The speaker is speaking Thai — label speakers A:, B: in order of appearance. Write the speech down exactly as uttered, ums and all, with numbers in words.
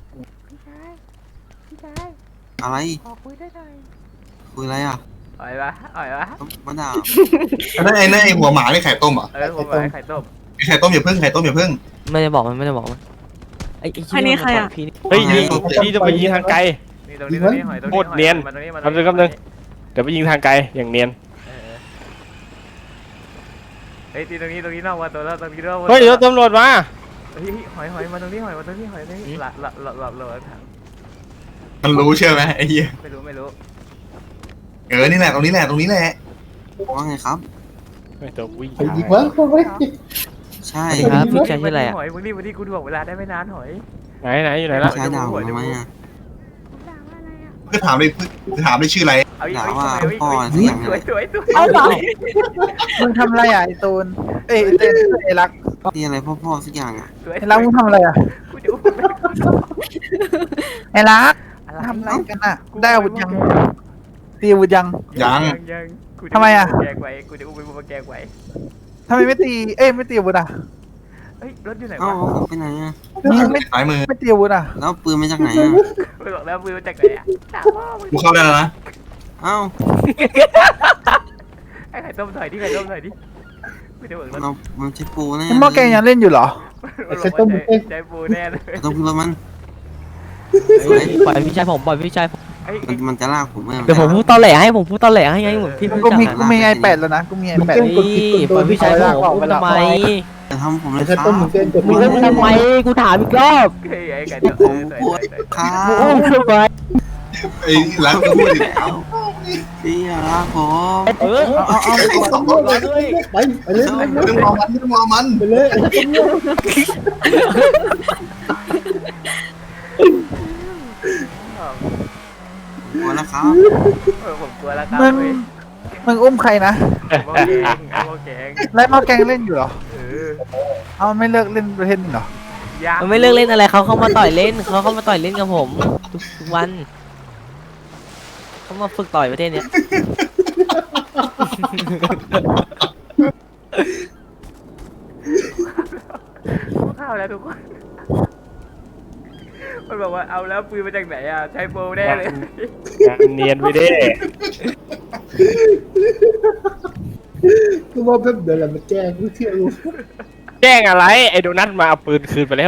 A: พี่ชายพี่ชาย
B: อะไร
A: ขอคุยได้หน่อย
B: คุยอะไรอ่ะ
A: อ่อยวะอ่อยวะ
B: มาด่า
C: อันนั้นไอ้นั่นไอ้หัวหมานี่ไข่ต้มเหรอ่ะ
A: เออผมบอกให้ไข่ต้ม
C: ไข่ต้มอย่าพึ่งไข่ต้มอย่าพึ่ง
D: ไม่ได้บอกมันไม่ได้บอกมันไอ้ไอ้
E: อันนี้ใครอะ
D: พี่นี่
F: เฮ้ยยิงพี่จะไปยิงทางไกล
A: นี่ตรงนี้ตรงนี้หอยตรง
F: โค
A: นี้
F: ตรเนียน
A: มาตรงนี้มา
F: ทำเลยครับนึง เดี๋ยวไปยิงทางไกลอย่างเนียน
A: เออเฮ้ยตีตรงนี้ตรงนี้นอกวัดตัวแล้วตรงนี้นอกวัด
F: เฮ้ยรถตำรวจมา
A: เฮ้ยหอยหอยมาตรงนี้หอยมาตรงนี้หอยตรงนี้หลับหลับหลับหลับหลับ
C: มันรู้เชื่อไหมไอ้เหี้ย
A: ไม่รู้ไม่รู้
C: เออนี่แหละตรงนี้แหละตรงนี้แหละ
B: ว่าไงครับ
F: ไม่ตัววิ่ง
G: ไปยิงวะไป
B: ใช่
D: สวัสดีครับพี่ชายชื่ออะไรอ่ะ
A: หอยมึงรีบมาที่กูถ่วงเวลาได้ไม่นานหอย
F: ไหนไหนอยู่ไหนละ
B: ใช่ด่าผมทำไมอ่ะ
C: เพื่อถามเลยเพื่อถามเลยชื่ออะไร
A: เอาอีก
B: ด่า
A: เอาอีก
B: ว่า
A: เอาอีก
B: พ่อ
A: เอา
B: เสี
A: อี
B: ย
A: ก
B: ง
A: สวยสวยสวย
E: เอาเหรอ
G: มึงทำอะไรอ่ะไอ้ตูนเอ้ยไอ้เต้นไอ้รัก
B: ที่อะไรพ่อพ่อสักอย่างอ่ะ
A: สวย
G: ไอ้รักมึงทำอะไรอ่ะ
A: กูจะอุ้มไป
G: ไอ้รัก
A: อะไร
G: ทำอะไรกันอ่ะได้อาวุธยังตีอาวุธยัง
C: ยัง
A: ยังกูจ
G: ทำไมอะ
A: แกงไว้กูจะอุ้มไปบุกแกงไว้
G: ทำไมไม่ตีเอ้ยไม่ตีอาวุธอ่ะ
A: เฮ้ยรถอยู่ไหน
B: เอ้าว
A: ะ
B: ไปไหนอ่ะ
G: มึงไม่
C: สายมือ
G: ไม่ตีอาวุธอ่ะ
B: แล้วปืนมาจากไหนอ่ะ
A: ไม่บอกแล้วมือมาจากไหนอะถามพ่อมึง
C: กูเข้าได้แล้วนะ
B: เอ้า
A: ไอ้ไข่ต้มถอยดิไข่ต้มถอยดิกูจะเบิกรถ
B: เรามันใช้ปูแน่
G: ไอ้หม้อแกงยังเล่นอยู่เหรอ
A: มันบอกว่าใจใจปูแน่เลย
B: ต้องขึ้นรถมัน
D: เฮ้ยปล่อยพี่ชายผมปล่อยพี่ชายผม
A: ไอ้
B: มันมันจะลากผมไหม
D: เดี๋ยวผมพูดตอแหลให้ผมพูดตอแหลให้ไงเหมือนพี่
G: กู
D: รู้จัก
G: มี
D: อะ
G: กูมีไอแปดแล้วนะกูมีไอแปด
D: เฮ้ยปล่อยพี่ชายผมพูดทำไม
B: จะทำผมเลย
G: ไอ้
B: ครั
G: ต้
B: บ
G: มมึงเต้นกด
D: มึงเล่นทำไมกูถามอีกรอบ
A: ไอ้ไอ้ไข่ต้มเออถอยถอยถอย
B: ครั
D: มึง
B: บ
D: อุ้มทำไม
C: ไอ้รักก็พูดอีก
B: พี่ลากผม
D: เออ
G: เอาเอาเอา
D: ไปไปเลย
G: ไปไปเลย
C: ไม่ต้องมองมันไม่ต้องมองมัน
G: ไปเลยไอ้ต้ม
B: กลัวแล้วครับ
A: เออผมกลัวแล้วครับ
G: มึง
A: เว้ย
G: มึงอุ้มใครนะ
A: หม้อแกงไอ้หม้อแกง
G: แล้วหม้อแกงเล่นอยู่เหรอ
A: เออ
G: เอาไม่เลิกเล่นประเทศนี้เหรอ
A: ยาก
D: มันไม่เลิกเล่นอะไรเขาเข้ามาต่อยเล่นเขาเข้ามาต่อยเล่นกับผมทุกทุกวันเขามาฝึกต่อยประเทศเนี้ย
A: ข้าวแล้วทุกคนมันบอกว่าเอาแล้วปืนมาจากไหนอ่ะใช้โปรแน่เลย
F: งานเนียนไปดิ
G: กูว่าเพิ่มเดี๋ยวเรามาแก้กูเชื่อกู
F: แจ้งอะไรไอ้โดนัทมาเอาปืนคืนไปแล้ว